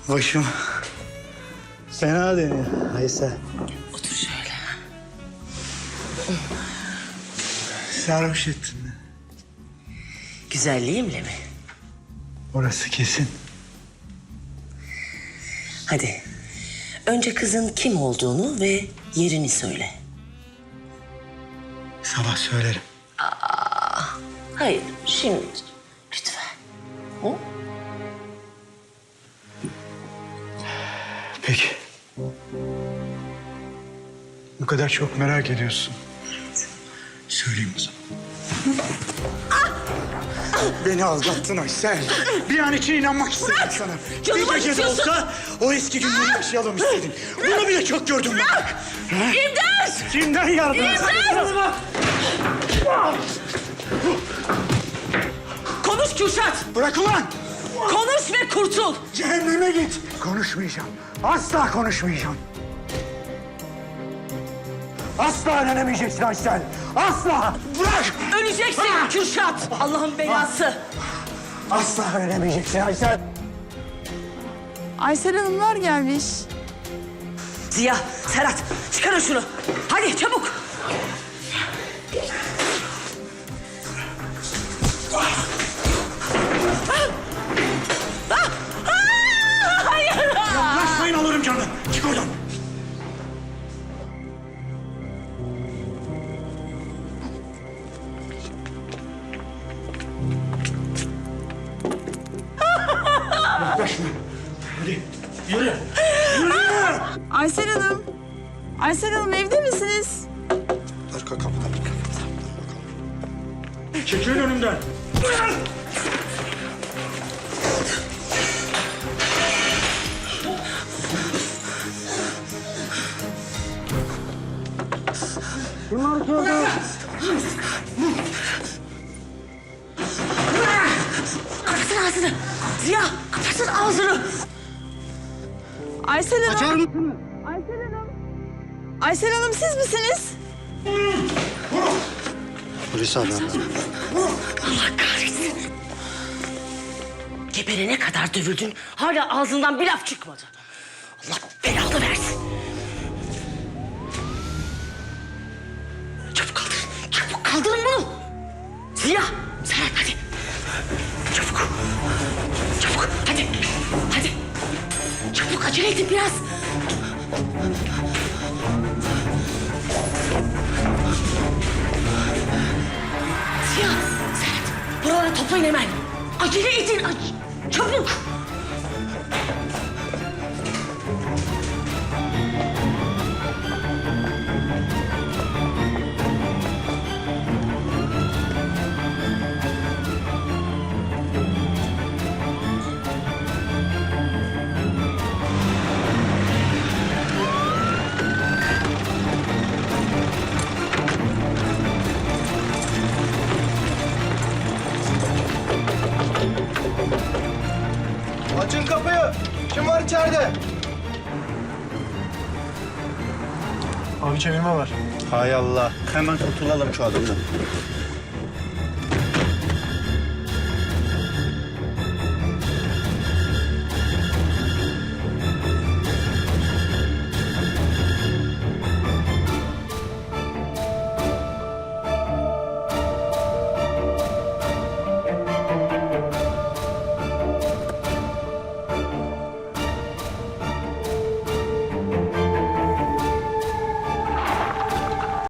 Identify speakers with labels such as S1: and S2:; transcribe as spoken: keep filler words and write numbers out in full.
S1: Başım fena dönüyor Aysel.
S2: Otur şöyle.
S1: Sarhoş ettin beni.
S2: Güzelliğimle mi?
S1: Orası kesin.
S2: Hadi. Önce kızın kim olduğunu ve yerini söyle.
S1: Sabah söylerim.
S2: Hayır, şimdi. Lütfen. Hı?
S1: Peki. Bu kadar çok merak ediyorsun. Söyleyeyim o zaman. Beni aldattın Aysel. Bir an için inanmak istedim sana.
S2: Canıma
S1: Bir gece de
S2: acıtıyorsun.
S1: olsa o eski günleri yaşayalım istedim. Bunu bile çok gördüm ben.
S2: İmdat!
S1: Kimden yardım?
S2: İmdat! Konuş Kürşat!
S1: Bırak ulan!
S2: Konuş ve kurtul!
S1: Cehenneme git. Konuşmayacağım. Asla konuşmayacağım. Asla öğrenemeyeceksin Aysel. Asla. Bırak.
S2: Öleceksin Kürşat! Allah'ın belası!
S1: Asla öğrenemeyeceksin Aysel.
S3: Aysel Hanımlar gelmiş.
S2: Ziya, Serhat çıkarın şunu. Hadi çabuk. Ah! Ah! Hayır!
S1: Yaklaşmayın alırım canını. Çık oradan. Yaklaşma. Hadi yürü. Yürü.
S3: Aysel Hanım. Aysel Hanım evde misiniz?
S1: Arka kapıdan. Çekilin önümden. Bunlar geldi.
S2: Kapatsın ağzını. Ziya kapatsın ağzını.
S3: Aysel Hanım.
S1: Açar mısınız?
S3: Aysel Hanım. Aysel Hanım siz misiniz?
S1: Polis haber.
S2: Allah kahretsin. Geberene kadar dövüldün. Hala ağzından bir laf çıkmadı. Allah belanı versin. Çabuk kaldırın. Çabuk kaldırın bunu. Ziya, Serhat hadi. Çabuk. Çabuk hadi. Hadi. Çabuk acele edin biraz. Ziya, Serhat buralara toplayın hemen. Acele edin. ac- Çabuk.
S4: Açın kapıyı. Kim var içeride?
S1: Abi çevirme var.
S4: Hay Allah. Hemen kurtulalım şu adamdan.